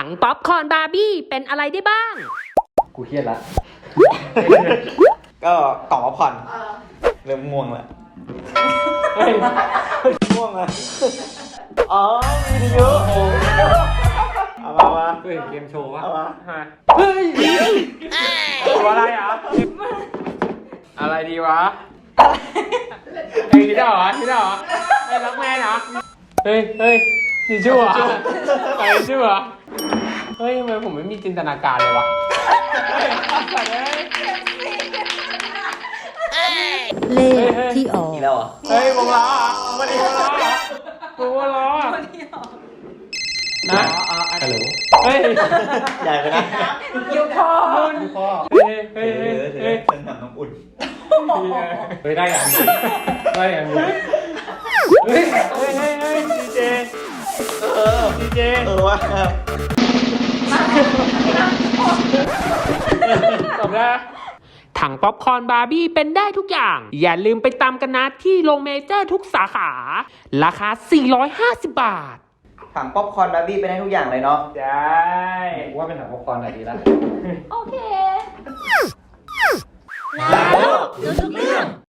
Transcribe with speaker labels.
Speaker 1: งป๊อปคอร์นบาร์บี้เป็นอะไรได้บ้าง
Speaker 2: กูเครียดละ
Speaker 3: ก็กล่องพักผ่อนเริ่มง่วงแล้วง่วงแล้วอ๋อวิทยุเอามา
Speaker 2: เคยเห็นเกมโชว์วะ
Speaker 3: เอามา
Speaker 2: เฮ้ยตัวอะไรอ่ะอะไรดีวะไอ้คิดได้เหรอไอ้ล็อกแมนเหรอเฮ้ยนี่ชื่อวะไอ้ชื่อวะเฮ้ยทำไมผมไม่มีจินตนาการเลยวะ
Speaker 4: เลขที่ออก
Speaker 3: อีกแล้วเหรอ
Speaker 2: เฮ้ยวงล้อมันอีกวงล้อวงล้อนะฮัลโหลเฮ้ย
Speaker 3: ใหญ่ไปนะ
Speaker 2: ยูคอเฮ้ย
Speaker 3: ฉันทำน้ำอุ่น
Speaker 2: เฮ้ยได้อย่างนี้เฮ้ยดีเจ
Speaker 3: วะ
Speaker 2: จบแล้ว
Speaker 1: ถังป๊อปคอร์นบาร์บี้เป็นได้ทุกอย่าง อย่าลืมไปตามกันนะที่โรงเมเจอร์ทุกสาขา ราคา 450 บาท
Speaker 3: ถังป๊อปคอร์นบาร์บี้เป็นได้ทุกอย่างเลยเนาะ
Speaker 2: ใช่ว่าเป็นหนังป๊อปคอร์นอะไรดีล่ะ
Speaker 4: โอเคแล้วดูทุก